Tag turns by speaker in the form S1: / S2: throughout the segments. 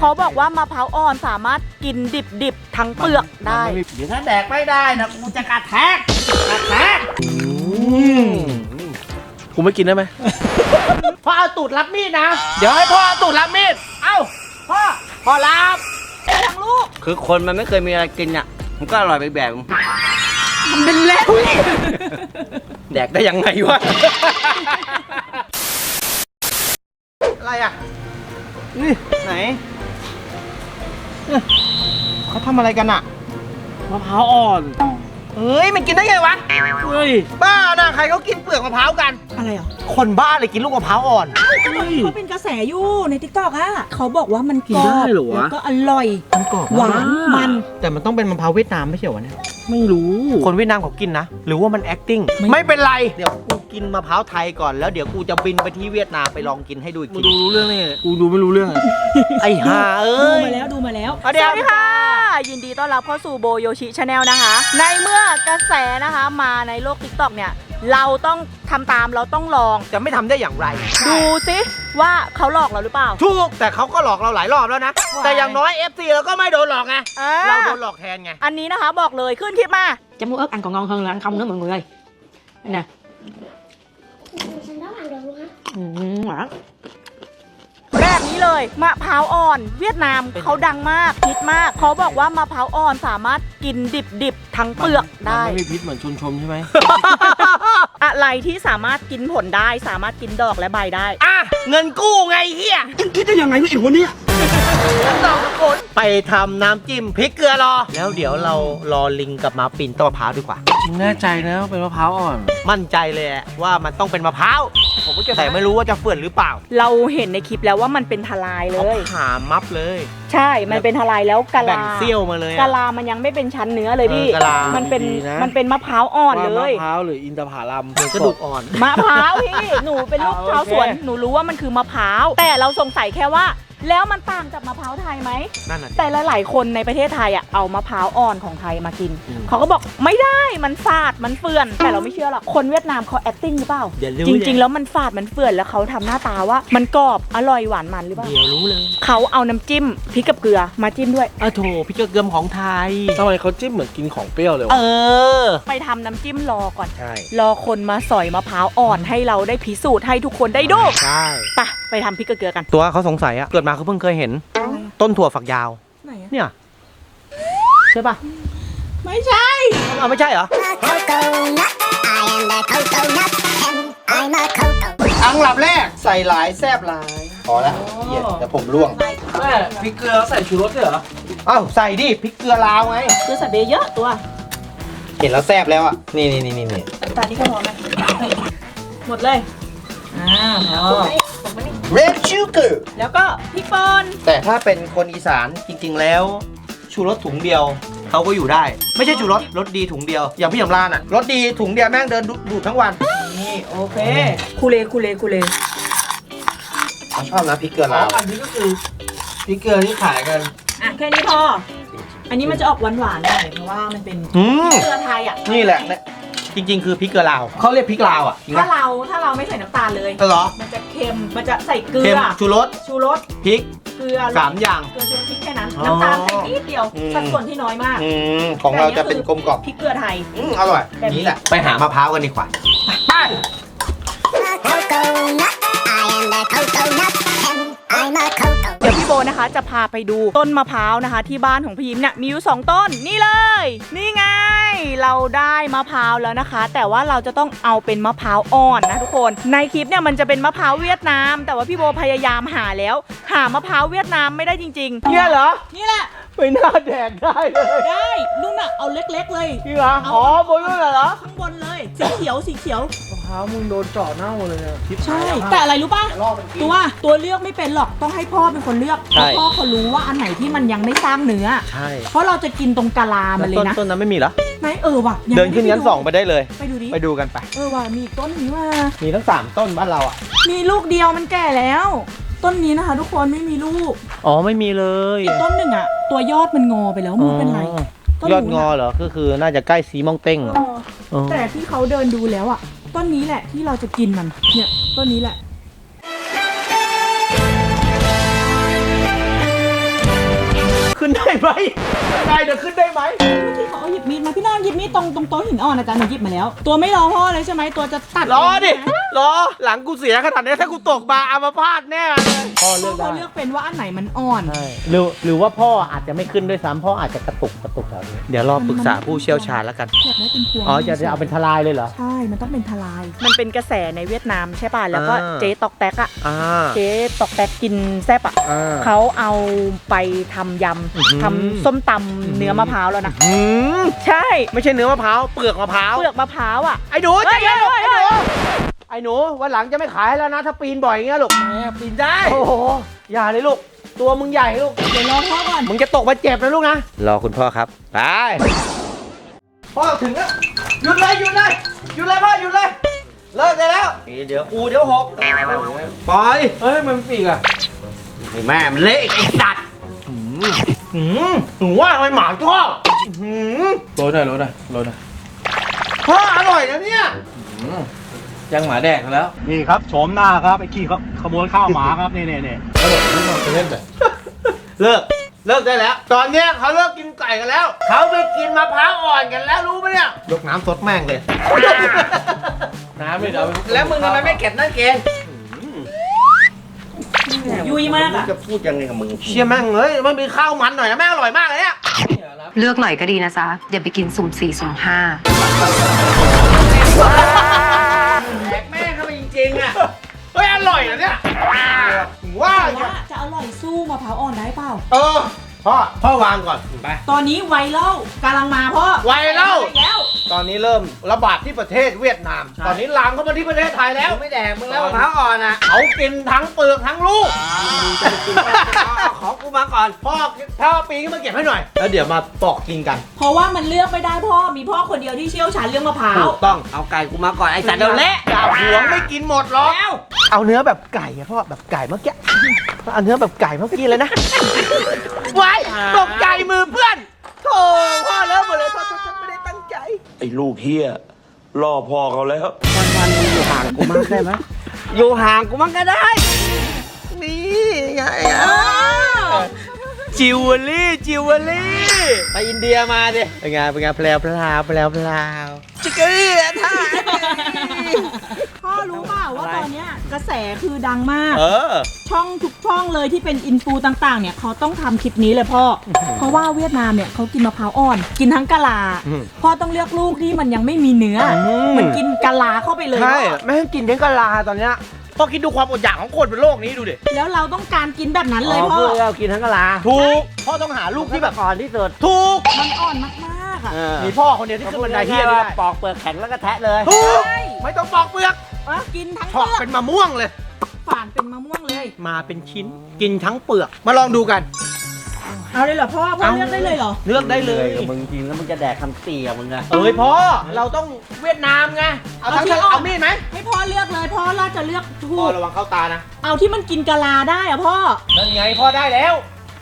S1: เขาบอกว่ามะพร้าวอ่อนสามารถกินดิบๆทั้งเปลือกได้
S2: เดี๋ยวถ้าแดกไม่ได้นะกูจะกระแทก
S3: กูไม่กินได้ไหม
S2: พ่อเอาตูดรับมีดนะเดี๋ยวให้พ่อเอาตูดรับมีดเอ้าพ่อรับทั้งลูก
S4: คือคนมันไม่เคยมีอะไรกินอ่ะมันก็อร่อยไปแบบ
S1: มันเป็นแล้ว
S4: แดกได้ยังไงวะ
S2: อะไรอ่ะนี่ไหนเขาทำอะไรกันอ่ะ
S3: มะพร้าวอ่อน
S2: เฮ้ยมันกินได้ไงวะ
S3: เฮ้ย
S2: บ้านะใครเขากินเปลือกมะพร้าวกัน
S1: อะไรอ่ะ
S2: คนบ้าเลยกินลูกมะพร้าวอ่อน
S1: เขาเป็นกระแสอยู่ในทิกตอกอะเขาบอกว่ามัน
S3: กินได้เหรอวะ
S1: แล้วก็อร่อย
S2: มันกรอบ
S1: หวานมัน
S2: แต่มันต้องเป็นมะพร้าวเวียดนามไม่ใช่เหรอวะเนี่ย
S3: ไม่รู้
S2: คนเวียดนามเขากินนะ หรือว่ามัน acting ไม่เป็นไร เดี๋ยวกูกินมะพร้าวไทยก่อนแล้วเดี๋ยวกูจะบินไปที่เวียดนามไปลองกินให้ดูอีก
S3: มึ
S2: ที
S3: งดูรู้เรื่องนี่กูดูไม่รู้เรื่องอะ
S2: ไอ้ห่าเอ้ย
S1: ดูมาแล้ว
S2: เอาเดี๋ยว
S1: สวัสดีค่ะ ยินดีต้อนรับเข้าสู่โบโยชิชาแนลนะคะ ในเมื่อกระแสนะคะมาในโลก TikTok เนี่ย เราต้องทำตามเราต้องลอง
S2: จะไม่ทำได้อย่างไร
S1: ดูซิว่าเขาหลอกเราหรือเปล่า
S2: ถูกแต่เขาก็หลอกเราหลายรอบแล้วนะ แต่อย่างน้อย FC เราก็ไม่โดนหลอกไง เราโดนหลอกแทนไง
S1: อันนี้นะคะบอกเลยขึ้นคลิปมา
S5: chấm muối ớt ăn còn ngon hơn là ăn không nữa mọi người ơi. Đây nè. Ngọt.
S1: แบบนี้เลยมะพร้าวอ่อนเวียดนามเขาดังมากฮิตมากเขาบอกว่ามะพร้าวอ่อนสามารถกินดิบๆทั้งเปลือกได้
S3: มันไม่มีพิษเหมือนชมใช่ไหม
S1: อะไรที่สามารถกินผลได้สามารถกินดอกและใบได้
S2: อ่ะ เงินกู้ไงเฮีย
S3: คิดได้ยังไงวะไอ้คนเนี้ย
S2: เราทุกคนไปทำน้ำจิ้มพริกเกลือรอ แล้วเดี๋ยวเรารอลิงกลับมาปีนต้นมะพร้าวดีกว่า
S3: มึงแน่ใจนะว่าเป็นมะพร้าวอ่อน
S2: มั่นใจเลยว่ามันต้องเป็นมะพร้าวแต่ไม่รู้ว่าจะเฟื่อนหรือเปล่า
S1: เราเห็นในคลิปแล้วว่ามันเป็นทลายเล
S2: เขา
S1: ย
S2: หามัฟเลย
S1: ใช่ มันเป็นทลายแล้วกะ
S2: แบ่
S1: ลาง
S2: เซี่ยวมาเลย
S1: กะลามันยังไม่เป็นชั้นเนื้อเลยพี่
S2: กะลา
S1: มันเป็น
S3: ดีๆนะ
S1: มันเป็นมะพร้าวอ่อนเล
S3: ว่ามะ
S1: ย
S3: พร้าวหรืออินทผลัม
S2: กระดูกอ่อน
S1: มะพร้าวพี่หนูเป็นลูกชาวสวนหนูรู้ว่ามันคือมะพร้าวแต่เราสงสัยแค่ว่า แล้วมันต่างจากมะพร้าวไทยไหม
S2: นั่นน่ะ
S1: แต่หลายๆคนในประเทศไทยอ่ะเอามะพร้าวอ่อนของไทยมากินเขาก็บอกไม่ได้มันฝาดมันเฟื่อนแต่เราไม่เชื่อหรอกคนเวียดนามเขา acting หรือเปล่า
S2: เดี๋ยวรู้
S1: จริงๆแล้วมันฝาดมันเฟื่อนแล้วเขาทำหน้าตาว่ามันกรอบอร่อยหวานมันหรือเปล่า
S2: เดี๋ยวรู้เลย
S1: เขาเอาน้ำจิ้มพริกกับเกลือมาจิ้มด้วย
S2: โถพริกเกลือของไทย
S3: ทำไมเขาจิ้มเหมือนกินของเปรี้ยวเลยวะ
S1: ไปทำน้ำจิ้มรอก่อน
S2: ใช่
S1: รอคนมาสอยมะพร้าวอ่อนให้เราได้พิสูจน์ให้ทุกคนได้ดู
S2: ใช่
S1: ไปทำพริกกับเกลือกัน
S2: ตัวเขาสงสัยอะเกิดมาเขาเพิ่งเคยเห็น ต้นถั่วฝักยาว
S1: ไหนอะ
S2: เนี่ยใช่ปะ
S1: ไม่ใช่
S2: เอาไม่ใช่เหรอ อังหลับแรกใส่หลายแซบหลายพอแล้วเหี้ยแต่ผมร่วง
S3: แม่พริกเกลือใส่ชูรสด้วยเหรอ
S2: เอ้าใส่ดิพริกเกลือลาวไง
S1: เกลือใส่เบเยอะตัว
S2: เห็นแล้วแซบแล้วอ่ะนี่
S1: ตานี่ก็พอไหมหมดเลยพอ
S2: red sugar
S1: แล้วก็พริกป่น
S2: แต่ถ้าเป็นคนอีสานจริงๆแล้ว ชูรสถุงเดียวเขาก็อยู่ได้ ไม่ใช่ชูรสรสดีถุงเดียว อย่างพี่ยำรานอ่ะรสดีถุงเดียวแม่งเดินดูดทั้งวัน
S1: นี่โอเคคูเลคูเลคูเล
S2: เขาชอบนะพริกเกลือ
S3: อ๋อ
S2: ลาว
S3: อันนี้ก็คือพริกเกลือที่ขายกัน
S1: อ่ะแค่นี้พอ อันนี้มันจะออกหวานๆหน่อยเพราะว่ามันเป็น
S2: อืม
S1: เกลือไทยอ่ะ
S2: นี่แหละเนี่ยจริงๆ คือพริกเกลือลาวเขาเรียกพริกลาวอ่ะจริง
S1: ถ้า
S2: ปะ
S1: เราไม่ใส่น้ำตาลเลย
S2: เหรอ
S1: มันจะเค็มมันจะใส่เกลื
S2: เค็ม
S1: อ
S2: ชูรส
S1: ชูรส
S2: พริก
S1: เกลือ
S2: 3 อย่าง
S1: เกลือชูรสพริกแค่นั้น
S2: อ๋อ
S1: น้ำตาลใส่นิดเดียว
S2: อืม
S1: สัดส่วนที่น้อยมาก
S2: ของเราจะเป็นกลมกล่อม
S1: พริกเกลือไทย
S2: อร่อย
S1: แบบนี้
S2: นี่แหละไปหามะพร้าวกันดีกว่าไป
S1: เดี๋ยวพี่โบนะคะจะพาไปดูต้นมะพร้าวนะคะ ที่บ้านของพี่ยิ้มเนี่ยมีอยู่2ต้นนี่เลย นี่ไง เราได้มะพร้าวแล้วนะคะ แต่ว่าเราจะต้องเอาเป็นมะพร้าวอ่อนนะทุกคนในคลิปเนี่ยมันจะเป็นมะพร้าวเวียดนาม แต่ว่าพี่โบพยายามหาแล้ว หามะพร้าวเวียดนามไม่ได้จริงๆ
S2: เนี่ยเหรอ
S1: นี่แหละ
S2: ไม่น่าแดกได้เลย
S1: ได้นุ่นอะเอาเล็กๆเลย
S2: นี่เหรออ๋อบนนั่นเหรอ
S1: ข้างบนเลยสีเขียวสีเขียว
S3: มะพร้าวมึงโดนเจาะเน่าเลยเนี่ยทิพ
S1: ใช่แต่อะไรรู้ป่ะตัวเลือกไม่เป็นหรอกต้องให้พ่อเป็นคนเลือกเพราะพ่อเขารู้ว่าอันไหนที่มันยังไม่สร้างเนื้อ
S2: ใช่
S1: เพราะเราจะกินตรงกะลามันเลยนะ
S2: ต้นนั้นไม่มีเหรอ
S1: ไหนว่ะยัง
S2: เดิน
S1: ไม่
S2: ขึ้นชั้น 2ไปได้เลย
S1: ไปดูดิ
S2: ไปดูกันไป
S1: ว่ะมีอีกต้นนี้ว่า
S2: มีทั้ง3ต้นบ้านเราอ่ะ
S1: มีลูกเดียวมันแก่แล้ว ต้นนี้นะคะ ทุกคนไม่มีลูก
S2: อ๋อไม่มีเลย
S1: อีกต้นหนึ่งอะตัวยอดมันงอไปแล้วมันเป็นไรต้น
S2: ยอดง
S1: นู้
S2: อน เหรอก็คือน่าจะใกล้สีมองเต้ง
S1: อะแต่ที่เขาเดินดูแล้วอะต้นนี้แหละที่เราจะกินมันเนี่ยต้นนี้แหละ
S2: ไหมได้เดี๋ยวขึ้นได้ไหม
S1: ที่เขาเอาหยิบมีดมาพี่น้องหยิบมีดตรงโต๊ะหินอ่อนนะจ๊ะหนูหยิบมาแล้ว ตัวไม่รอพ่อเลยใช่ไหมตัวจะตัด
S2: รอดิ
S1: เงนะ
S2: รอหลังกูเสียขนาดนี้ถ้ากูตกมาอัมพาตแน่เลยพ่อเลือก
S1: เขา
S2: ได้
S1: เลือกเป็นว่าอันไหนมันอ่อน
S2: หรือว่าพ่ออาจจะไม่ขึ้นด้วยซ้ำพ่ออาจจะกระตุกแถวนี้เดี๋ยวรอปรึกษาผู้เชี่ยวชาญแล้วกัน
S1: อยากได้เป็นพวง
S2: อ๋อจะเอาเป็นทลายเลยเหรอ
S1: ใช่ มันต้องเป็นทลาย มันเป็นกระแสในเวียดนามใช่ป่ะ แล้วก็
S2: อ่า
S1: เจ๊ตอกแตกอะ
S2: อ่า
S1: เจ๊ตอกแตกกินแซ่บอะ
S2: อ่า
S1: เขาเอาไปทำย
S2: อื้อหือ
S1: ำทำส้มตำเนื้อมะพร้าวแล้วนะ
S2: อืม
S1: ใช่
S2: ไม่ใช่เนื้อมะพร้าวเปลือกมะพร้าว
S1: เปลือกมะพร้าวอะ
S2: ไอ้หนูใจเย็น
S1: เฮ้ย
S2: ไอ้หนูไอ้หนูวันหลังจะไม่ขายแล้วนะถ้าปีนบ่อยอย่างเงี้ยลูก
S3: แม่ปีนได้
S2: โอ้โหอย่าเลยลูกตัวมึงใหญ่ลูก
S1: เดี๋ยวรอพ่อก่อน
S2: มึงจะตกมาเจ็บนะลูกนะ
S4: รอคุณพ่อครับ ไป
S2: พ่อถึงแล้วหยุดเลยพ่อหยุดเลยเลิกได้แล้วเดี๋ยวกูเดี๋ยวหกปล่อย
S3: เฮ้ยมันปีกอ่ะ
S2: ไอ้แม่มันเละไอ้สัตว์หนูว่าทำไมหมาชอบหืม
S3: โรยหน่อยโรยหน่อยโรยหน่อย
S2: พ่ออร่อยนะเนี่ย
S3: ยังหมาแดกแล้ว
S6: นี่ครับโฉมหน้าครับไอ้ขี้ขโมยข้าวหมาครับนี่
S2: เลิกได้แล้ว ตอนเนี้ยเขาเลิกกินไก่กันแล้วเขาไปกินมะพร้าวอ่อนกันแล้วรู้ไหมเนี่ยยกน้ำสดแม่งเลย
S3: น้ำไม่เดี๋ยว
S2: แล้วมึงทำไมไม่เก็บนั่นเกณฑ์
S1: ยุยมากอะ
S2: จะพูดยังไงกับมึงเชี่ยแม่งเลยมันมีข้าวมันหน่อยนะแม่งอร่อยมากเลยเนี่ย
S7: เลือกหน่อยก็ดีนะจ๊ะอย่าไปกินสุ่ม4 สุ่ม 5
S2: แดกแม่งเข้าไปจริงๆอ่ะเฮ้ยอร่อยนะเนี่ยว่า
S1: แต่ว่าจะอร่อยสู้มะพร้าวอ่อนได้เปล่า
S2: พ่อวางก่อนไป
S1: ตอนนี้ไวรัลกำลังมาพ่อ
S2: ไวรัล
S1: แล้ว
S2: ตอนนี้เริ่มระบาดที่ประเทศเวียดนาม ตอนนี้ลามเข้ามาที่ประเทศไทยแล้วไม่แดกมึงแล้วมะพร้าวอ่อนอ่ะเขากินทั้งเปลือกทั้งลูก
S4: ขอกูมาก่อน
S2: พ่อปีนขึ้นมาเก็บให้หน่อย แล้วเดี๋ยวมาปอกกินกัน
S1: เพราะว่ามันเลือกไม่ได้พ่อ มีพ่อคนเดียวที่เชี่ยวชาญเรื่องมะพร้าว
S2: ถูกต้อง
S4: เอาไก่กูมาก่อน ไอ้สัตว์เดี๋ยวเละ
S2: อย่าหวงไม่กินหมดหรอกเอาเนื้อแบบไก่อะพ่อแบบไก่เมื่อกี้เอาเนื้อแบบไก่เมื่อกี้เลยนะไว้ตกใจมือเพื่อนโธ่พ่อเลิกหมดเลยพ่อไม่ได้ตั้งใจ
S8: ไอ้ลูกเฮียล่อพ่อเขาแล้ว
S4: วันๆมึงอยู่ห่างกูมากได้ไหมอยู่ห่างกูมั่งก็ได้
S2: นี่ไงจิวเวลรี่ไปอินเดียมาดิเป็นไงแพลวจิกเกอร์ท่า
S1: พ่อรู้เปล่าว่าตอนเนี้ยกระแสคือดังมาก
S2: อ
S1: ช่องทุกช่องเลยที่เป็นอินฟูต่างๆ เนี่ยเขาต้องทำคลิปนี้เลยพ่อ เพราะว่าเวียดนามเนี่ยเขากินมะพร้าวอ่อน กินทั้งกะลา พ่อต้องเลือกลูกที่มันยังไม่มีเนื้ออมันกินกะลาเข้าไปเลย
S2: ใช่
S1: พ่อ
S2: แม่งกินทั้งกะลาตอนเนี้ยพอคิดดูความอดอยากของคนบนโลกนี้ดูดิ
S1: แล้วเราต้องการกินแบบนั้นเลยพ่อ
S4: เพื่อเรากินทั้งกะลา
S2: ถูกพ่อต้องหาลูกที่แบบ
S4: ก่อนที่สุด
S2: ถูก
S1: มันอ่อนมากๆอ่ะ
S2: มีพ่อคนเดียวที่ขึ้นบันไดเฮียนี่ได้
S4: ปอกเปลือกแข็งแล้วก็แทะเลย
S2: ถูก
S1: ใช่
S2: ไม่ต้องปอกเปลือก
S1: กินทั้ง
S2: เฉ
S1: เปลื
S2: อก
S1: อก
S2: เป็นมะม่วงเลย
S1: ฝานเป็นมะม่วงเลย
S2: มาเป็นชิ้นกินทั้งเปลือกมาลองดูกัน
S1: เอาเลยเหรอพ่อเลือกได้เลยเหรอ
S2: เลือกได้เลย
S4: กับมึงกินแล้วมึงจะแดกคำเตี่ยมึงอะ
S2: เอ้ยพ่อเราต้องเวียดนามไงเอาทั้ง
S1: เอาที่
S2: เอามีดไหม
S1: ให้พ่อเลือกเลยพ่อเราจะเลือกถู
S2: พ่อก ระวังเข้าตานะ
S1: เอาที่มันกินกะลาได้อะพ่อ
S2: นั่นไงพ่อได้แล้ว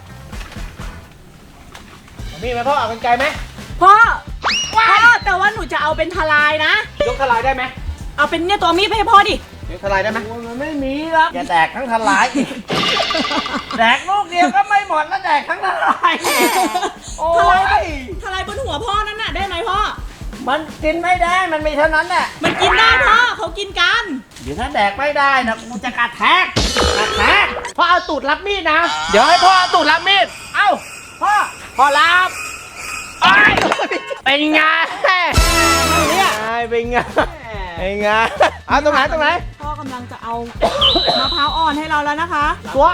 S2: เอามีดไหมพ่อเอากรรไกรไหม
S1: พ่อแต่ว่าหนูจะเอาเป็นทลายนะ
S2: ยกทลายได้ไหม
S1: เอาเป็นเนี่ยตัวมีดไปให้พ่อดิ
S2: ยกทลายได้ไหม
S4: มันไม่มีหรอกอย่าแดกทั้งทลายอีกแดกลูกเดียวก็ไม่หมดแล้วแดกทั้งทลายโอ้
S1: ทลายบนหัวพ่อนั่นน่ะได้ไหมพ่อ
S4: มันกินไม่ได้ มันมีเท่านั้นแหละ
S1: มันกินได้พ่อเขากินกัน
S4: เดี๋ยวถ้าแดกไม่ได้นะกูจะกระแทก
S2: พ่อเอาตูดรับมีดนะ เดี๋ยวให้พ่อเอาตูดรับมีด เอ้า พ่อรับไอ้ยเป็นไงเนี่ยเป็นไงเป็นไงเอาตรงไหน
S1: พ่อกำลังจะเอามะพร้าวอ่อนให้เราแล้วนะคะ
S2: ตัว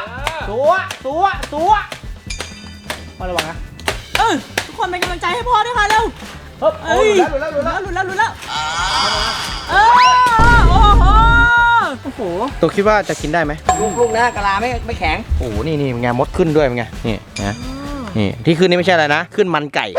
S2: มาระวังนะ
S1: ทุกคนเป็นกำลังใจให้พ่อด้วยค่ะเร็ว
S2: เฮ้ย
S1: เอ้ย
S2: หลุดแล้ว
S1: หลุดแล้วโอ้โห
S2: ตัวคิดว่าจะกินได้ไหม
S4: ลูกนะกะลาไม่แข็ง
S2: โอ้โหนี่เป็นไงมดขึ้นด้วยเป็นไงนี่นะนี่ที่ขึ้นนี่ไม่ใช่อะไรนะขึ้นมันไก่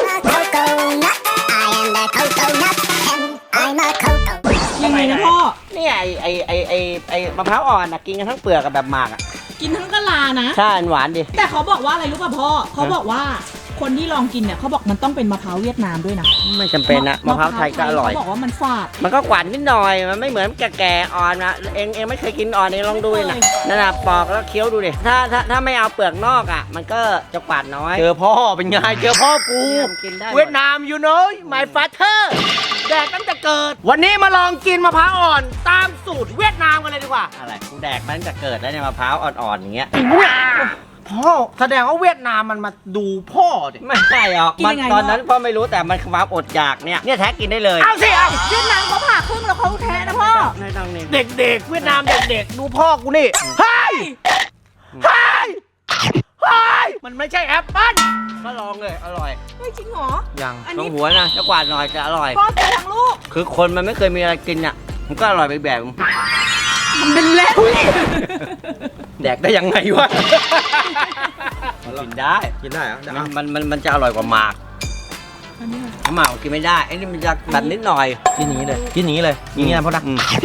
S1: ยังไงนะพ่อ
S4: เนี่ยไอ้มะพร้าวอ่อนนะกินกันทั้งเปลือกกับแบบหมากอ่ะ
S1: กินทั้งกะลานะ
S4: ใช่หวานดิ
S1: แต่เขาบอกว่าอะไรรู้ป่ะพ่อเขาบอกว่าคนที่ลองกินเนี่ยเขาบอกมันต้องเป็นมะพร้าวเวียดนามด้วยนะ
S2: ไม่จำเป็นนะมะพร้าวไทยก็อร่อย
S1: เขาบอกว่ามันฝาด
S2: มันก็หวานนิดหน่อย มันไม่เหมือนแก่ๆอ่อนนะเองไม่เคยกินอ่อนเองลองดูนะนั่นน่ะปอกแล้วเคี้ยวดูดิถ้าไม่เอาเปลือกนอกอ่ะมันก็จะหวานน้อย
S4: เจอพ่อเป็นไงเจอพ่อกู
S2: กินได้
S4: เวียดนาม you know my father แดกตั้งแต่เกิด วันนี้มาลองกินมะพร้าวอ่อนตามสูตรเวียดนามกันเลยดีกว่า
S2: อะไรกูแดกมันตั้งแต่เกิดแล้วเนี่ยมะพร้าวอ่อนๆอย่างเงี้ย
S4: พ่อแสดงว่าเวียดนามมันมาดูพ่อดิ
S2: ไม่ใช่หรอกมันตอนนั้นพ่อไม่รู้แต่มันความอดอยากเนี่ยแท้กินได้เลย
S4: เอาสิเอา
S1: เวียดนามเขาผ่าครึ่งแล้วเขาแทะนะพ่อ
S2: ไม่ต้องนี่
S4: เด็กๆเวียดนามเด็กๆดูพ่อกูนี่เฮ้ยเฮ้ยเฮ้ยมันไม่ใช่แอปเปิ้ล
S2: ก็ลองเลยอร่อย
S1: เฮ้ยจริงเหรอ
S2: ยัง
S1: อัน
S2: ต้อ
S1: นี้
S2: งหัวนะจะกวาดหน่อยจะอร่อย
S1: พ่อกินทั้งลูก
S2: คือคนมันไม่เคยมีอะไรกินอ่ะมันก็อร่อยไปแบบ
S1: มันเป็นเล่น
S2: แดกได้ยังไงวะกินได้
S4: กินได้เหรอ
S2: มันจะอร่อยกว่าหมากหมากกินไม่ได้ไอ้นี่มันจะแบบนิดหน่อย
S4: กินนี้เลยกินนี้เลยอย่างนี้นะพ่อนะ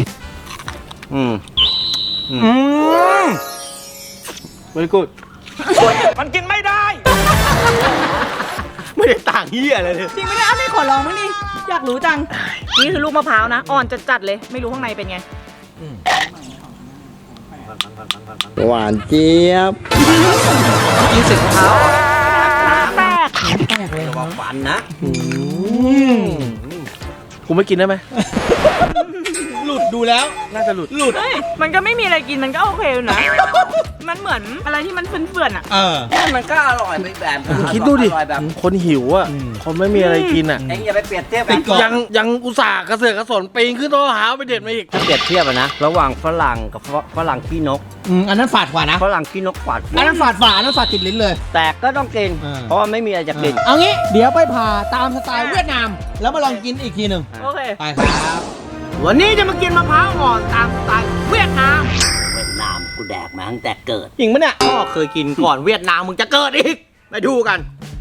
S3: very good
S4: มันกินไม่ได้ ไม่ได้ต่างเหี้ยอะไรเลย
S1: จริงไม่ได้ไม่ขอลองมั้งดิอยากรู้จัง นี่คือลูกมะพร้าวนะ อ่อนจัดๆเลย ไม่รู้ข้างในเป็นไง
S8: หวานเจี๊ยบ
S2: กินเสร็จมะพร้าว
S1: แปลก
S2: ระวังฟันนะ
S3: กูไม่กินได้ไหม
S4: หลุดดูแล้ว
S3: น่าจะหลุด
S1: เฮ้ย มันก็ไม่มีอะไรกิน มันก็โอเคอยู่นะ มันเหมือนอะไรที่มันเฟื่อนๆอ่ะ
S2: มันก็อร่อยไปแบบ
S3: คิดดูดิ
S2: อร่อยแบบ
S3: คนหิวอ่ะคนไม่มีอะไรกินอ่ะ
S2: เอ็งอย่าไปเปรียบเทียบกัน
S3: ยังอุตส่าห์กระเสือกกระสนปีนขึ้นต้นมะพร้าวไปเด็ดมาอีก
S2: ถ้าเปรียบเทียบอะนะระหว่างฝรั่งกับฝรั่งขี้นก
S4: อันนั้นฝาดกว่านะ
S2: ฝรั่งขี้นกกว่า
S4: อันนั้นฝาดอันนั้นฝาดติดลิ้นเลย
S2: แต่ก็ต้องกิน เพราะว่าไม่มีอะไรจะกิน
S4: เอางี้เดี๋ยวไปผ่าตามสไตล์เวียดนาม แล้วมาลองกินอีกทีหนึ่ง
S1: โอเค
S4: ไปครับ วันนี้จะมากินมะพร้าวอ่อนตามสไตล์เวียดนาม
S2: เวียดนามกูแดกมาตั้งแต่เกิด
S4: จริงปะเนี่ยพ่อเคยกินก่อนเวียดนามมึงจะเกิดอีกไปดูกัน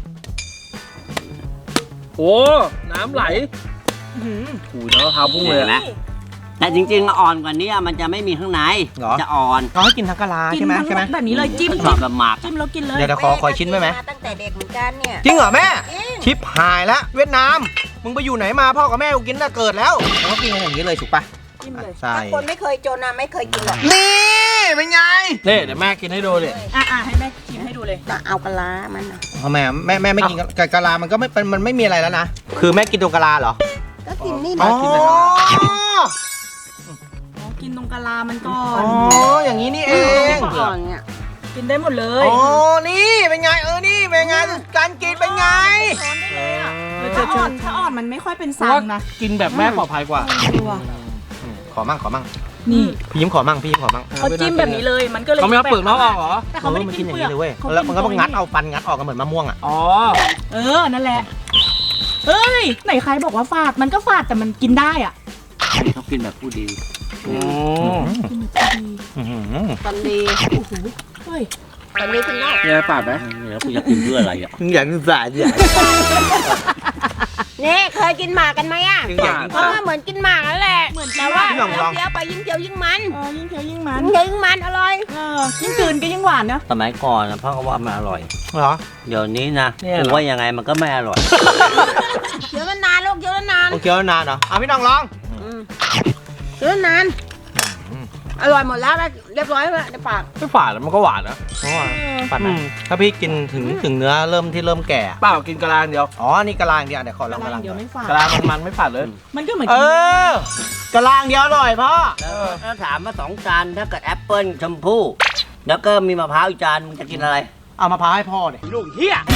S3: โอ้น้ำไหลหูยน้ำมะพร้าวพุ่งเลย
S2: เห็นไหม แต่จริงๆอ่อนกว่านี้มันจะไม่มีข้างใน
S4: เหรอ
S2: จะอ่อน
S4: เขาให้กินทั้งกะลา
S1: กิน
S4: ใช่ไหม
S1: ทั้ง
S4: ใช่ไหม
S1: แบบนี้เลยจิ้ม
S2: ชอบแบบหมาก
S1: จิ้มแล้วกินเลย
S4: เดี๋ยวขอชิ้นไว้ไหม
S5: ตั้งแต่เด็กเหมือนกันเนี่ย
S4: จริงเหรอแม่
S5: จริง
S4: ชิปหายแล้วเวียดนาม มึงไปอยู่ไหนมาพ่อกับแม่กูกินตั้งแต่เกิดแล้วแล้วก็กินกันอย่างนี้เลยถูกปะ
S1: จิ้มเลย
S4: ใช่
S5: ถ้าคนไม่เคยจนนะไม่เคยกินหรอก
S4: นี่เป็นไง
S3: เดี๋ยวแม่กินให้ดูดิ
S1: อ่ะให้แม่ชิมให้ดูเลย
S5: จะเอากะลามันน่ะ
S4: ทำไมแม่ไม่กินกะลามันก็ไม่มันไม่มีอะไรแล้วนะ คือแม่กินตัวกะลาเหรอ
S5: ก็กินนี่
S4: อ๋
S5: นะ
S4: อ
S1: อ๋อ กินตรงกะลามันก่อ
S4: อ๋
S1: น
S4: ออย่างนี้นี่เอง
S5: ก่อนเนี่ย
S1: กินได้หมดเลย
S4: อ๋อนี่เป็นไงนี่เป็นไงการกินเป็นไง
S1: ช้อนได้เลยอ่ะถ้าอ่อนมันไม่ค่อยเป็นซังนะ
S3: กินแบบแม่ปลอดภัยกว่า
S1: ดูอ่ะ
S4: ขอมั่ง
S1: นี่
S4: พี่ยิ้มขอมั่ง
S1: เขาจิ้มแบบนี้เลย มันก็เลย
S3: เขาไม่เอาเปลือกนอกออกเหรอ
S1: แต่เขาไม่ได้
S4: มัน
S1: กิ
S4: กิ
S1: น
S4: นอย่าง
S1: เปลือก
S4: นี้เลยเว้ย
S1: ขา
S4: แล้วมันก็
S1: ตรง
S4: งัดเอาฟันงัดออกกันเหมือนมะม่วงอ่ะ
S3: อ๋อ
S1: นั่นแหละ เฮ้ย ไหนใครบอกว่าฝาด มันก็ฝาดแต่มันกินได้อ่ะ
S2: ชอบกินแบบผู้ดี
S1: กินแบบดี
S5: ตอนดี
S1: เฮ้ย
S5: ตอนนี้คุณนอก
S3: มีอะไรปาดไหม
S2: แล้วกูจะกินเพื่ออะไรอ่ะ
S4: อยากกินสาดอยาก
S5: นี่เคยกินหมากกันไหมอ่ะ
S4: อยากกิน
S5: เออเหมือนกินหมากนั่นแหละ
S1: เหมือนกิน
S5: แต่ว่า
S4: ลอง
S5: เคี้ยวไปยิ่งเคี้ยวยิ่งมัน
S1: ยิ่งเคี้ยวยิ่งมัน
S5: ยิ่งมันอร่อย
S1: ยิ่งกลืนก็ยิ่งหวานเนอะ
S2: สมัยก่อนนะพ่อก็ว่ามันอร่อย
S4: เหรอ
S2: เดี๋ยวนี้นะกูว่ายังไงมันก็ไม่อร่อย
S5: เคี้ยวนานๆลูกเคี้ยวนาน
S4: โอเคแล้วนานเหรอเอาพี่น้องลอง
S5: เคี้ยวนานอร่อยหมดแล้วเรียบร้อยแล้วในปาก
S3: ไม่ฝาดแล้วมันก็หวานนะ
S4: ปัดนะถ้าพี่กินถึงเนื้อเริ่มแก่
S3: เปล่ากินกะลาเดียว
S4: อ๋อนี่กะลาอย่างเดียวเดี๋ยวขอลองกะลา
S1: เดี๋ยวไม่ฝาด
S3: กะลามันไม่ฝาดเลย
S1: มันก็เหมือน
S4: เอ
S1: กิน
S4: อกะลาอย่างเดียวอร่อยพ่อ
S2: ถ้าถามมา2 จานถ้าเกิดแอปเปิ้ลชมพู่แล้วก็มีมะพร้าวอีกจานมึงจะกินอะไร
S4: เอามะพร้าวให้พ่อดิลูกเฮีย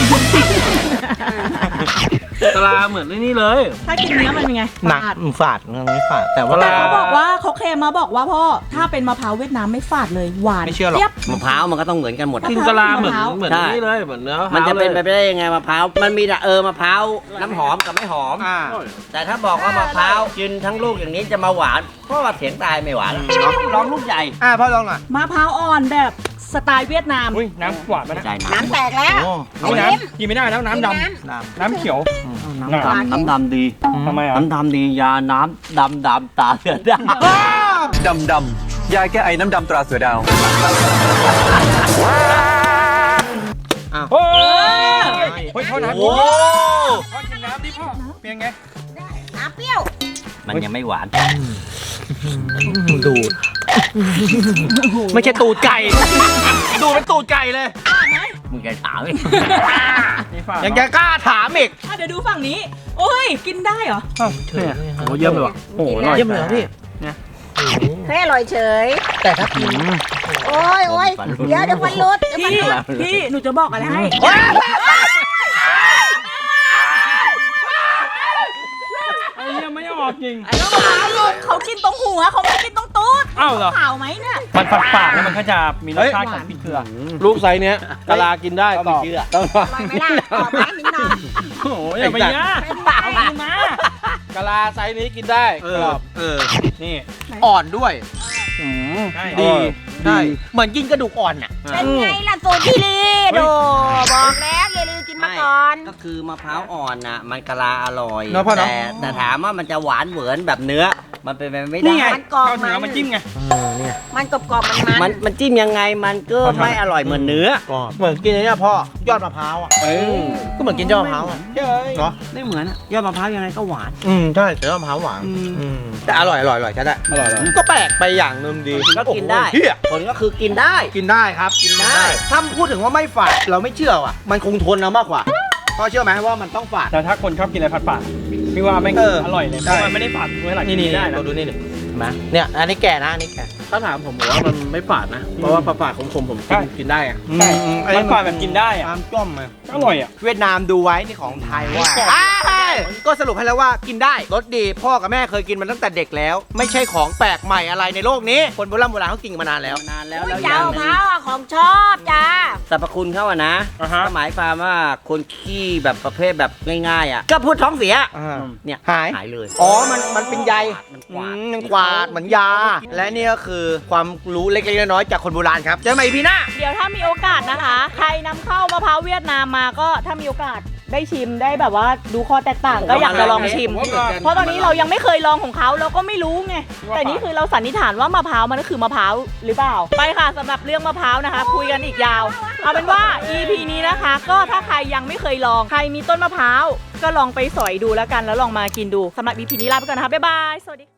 S3: กะลาเหมือนนี่เลย
S1: ถ้ากินเนื้อมันเป็นไง
S4: หนัก
S1: ฝาด
S4: ฝาดไม่ฝาดแต่ว่า
S1: แต่เขาบอกว่าเขาเคลมมาบอกว่าพ่อ ถ้าเป็นมะพร้าวเวียดนามไม่ฝาดเลย หวาน
S4: ไม่เชื่อหรอก
S1: จี๊ยบ
S2: มะพร้าวมันก็ต้องเหมือนกันหมดอะ
S3: กินกะลาเหมือน
S1: มะพร้าว
S3: เหมือน
S2: ใช่
S3: นี่เลยเหมือนเนื้อ
S2: มันจะเป็นไป
S3: ลย
S2: ได้ยังไงมะพร้าวมันมีแต่มะพร้าวน้ำหอมกับไม่หอม แต่ถ้าบอกว่ามะพร้าวกินทั้งลูกอย่างนี้จะมาหวานเพราะว่าเสียงตายไม่หวานหรอกลองลูกใหญ่
S4: พ่อลองหน่อย
S1: มะพร้าวอ่อนแบบสไตล์เวียดนาม
S3: อุ้ยน้ำหวานไหม
S2: ไม่
S3: นะ
S2: ใช่
S5: น้ำแตกแล้ว
S4: โอ้
S5: ไอ้เล็ม
S3: กินไม่ได้แล้วน้ำดำ น้ำเขียว
S2: น้ำดำดี
S3: ทำไมอ่ะ
S2: น้ำดำดียาน้ำดำตาเสือดำ
S6: ดำยาแก้ไอน้ำดำตราเสือดาว
S3: เฮ้ยฮ้ยพ่อน้ำ
S2: โอ้
S3: พ่อกินน้ำดิพ่อเป็นไง
S5: น้ำเปรี้ยว
S2: มันยังไม่หวานดูดไม่ใช่ตูดไก่ดูเป็นตูดไก่เลยมึงแกถามอีกยังจะกล้าถามอีก
S1: เดี๋ยวดูฝั่งนี้ โอ้ยกินได้เหรอ
S3: โอ้เยี่ยมเลยว่ะโอ้อร่อย
S2: เยี่ยมเลยพี่
S5: เฮ้ยอร่อยเฉย
S2: แต่ถ้ากิน
S5: โอ้ยเดี๋ยวฟันรุด
S1: พี่หนูจะบอกอะไรให้
S3: ไอ้เยี่ยมไม่ออกจริง
S1: เขากินตรงหัวเขาไม่กินตรงตูด
S3: อ้าวเหรอ
S1: ข่าวไหมเนี่ย
S3: มันฝาดๆแล้วมันก็จะมีรสชาติของพริกเกลือ
S4: ลูกไซส์เนี้ยกะลากินได้กรอบต้อง
S5: อร่อยไหมล่ะกรอบไหมมิ้นนอน
S3: โอ้ยอย่าไปย่า
S1: เป็นเปล่ากินมาก
S4: ะลาไซส์นี้กินได้กรอบ
S3: นี่
S2: อ่อนด้วย
S3: ใช่
S2: ดีใช่เหมือนกินกระดูกอ่อนอ่ะ
S5: เป็นไงล่ะสูตรพี่ลีโดบอกแล้วอย่าลืมกินมาก่อน
S2: ก็คือมะพร้าวอ่อนน่ะมันกะลาอร่อย
S4: เนอะพ่อเนอะ
S2: แต่ถามว่ามันจะหวานเหมือนแบบเนื้อ มันเป็นไปไม่
S3: นี่
S2: ได้
S3: ไง
S5: มันกรอบ
S3: ข้าวเหนียวมันจิ้มไง
S5: มันกรอบๆมัน
S2: มันจิ้มยังไงมันก็ไม่อร่อยเหมือนเนื้อ
S4: เหมือนกินไอ้เนี่ยพ่อยอดมะพร้าวอ่ะก็เหมือนกินยอดมะพร้าวอ่ะเนาะ
S2: ไม่เหมือนอะยอดมะพร้าวยังไงก็หวาน
S4: ใช่แต่ยอดมะพร้าวหวานแต่อร่อยใช่ได้อร่อยก็แปลกไปอย่างหนึ่งดี
S2: ก็กินได้
S4: โอ้โหเหี้ย
S2: ผลก็คือกินได้
S4: กินได้ครับกินได้ถ้าพูดถึงว่าไม่ฝาดเราไม่เชื่อว่ะมันคงทนเอามากกว่าพ่อเชื่อไหมว่ามันต้องฝาด
S3: แต่ถ้าคนชอบกินอะไรฝาดๆพี่ว่าไม่ง อร่อยเลยเพ
S4: ใช่
S3: ราะมันไม่ได้ฝาดเมื่อไหร่กินได้นะ
S4: เราดูนี่เนี่ยอันนี้แก่นะอันนี้แก่ถ้าถามผมว่ามันไม่ฝาดนะเพราะว่าฝาดของผมกินได้อะ
S3: มันฝาดแบบกินได้อะ
S4: น้ำจ้อมเลย
S3: อร่อยอ่ะ
S4: เวียดนามดูไว้นี่ของไทยว่าก็สรุปให้แล้วว่ากินได้รสดีพ่อกับแม่เคยกินมันตั้งแต่เด็กแล้ว ไม่ใช่ของแปลกใหม่อะไรในโลกนี้คนโบราณเขากินกันมานานแล้ว
S2: นานแล้ว
S5: อุ้ย
S2: แล้วอ
S5: เจ้า
S2: ย่างห
S5: มะพ
S2: นึง
S5: ร้าวอะของชอบจ้า
S2: สรรพคุณเขาอะนะ
S3: อ่าฮะ
S2: ก็หมายความว่าคนขี้แบบประเภทแบบง่ายๆอ่ะก็พูดท้องเสียเนี่ย
S4: หาย
S2: หายเลย
S4: อ๋อมันเป็นใย
S2: มันกวาด
S4: มันกวาดเหมือนยา และนี่ก็คือความรู้เล็กๆน้อยๆจากคนโบราณครับเจอกันใหม่พี่หน้า
S1: เดี๋ยวถ้ามีโอกาสนะคะ ใครนำเข้ามะพร้าวเวียดนามมาก็ถ้ามีโอกาสได้ชิมได้แบบว่าดูข้อแตกต่างก็อยากจะลองชิม เพราะตอนนี้เรายังไม่เคยลองของเขาเราก็ไม่รู้ไง แต่นี่คือเราสันนิษฐานว่ามะพร้าวมันก็คือมะพร้าวหรือเปล่า ไปค่ะสำหรับเรื่องมะพร้าวนะคะ คุยกันอีกยาว เอาเป็นว่า EP นี้นะคะ ก็ถ้าใครยังไม่เคยลองใครมีต้นมะพร้าวก็ลองไปสอยดูแล้วกันแล้วลองมากินดูสำหรับ EP นี้ลาไปก่อนนะคะบ๊ายบายสวัสดี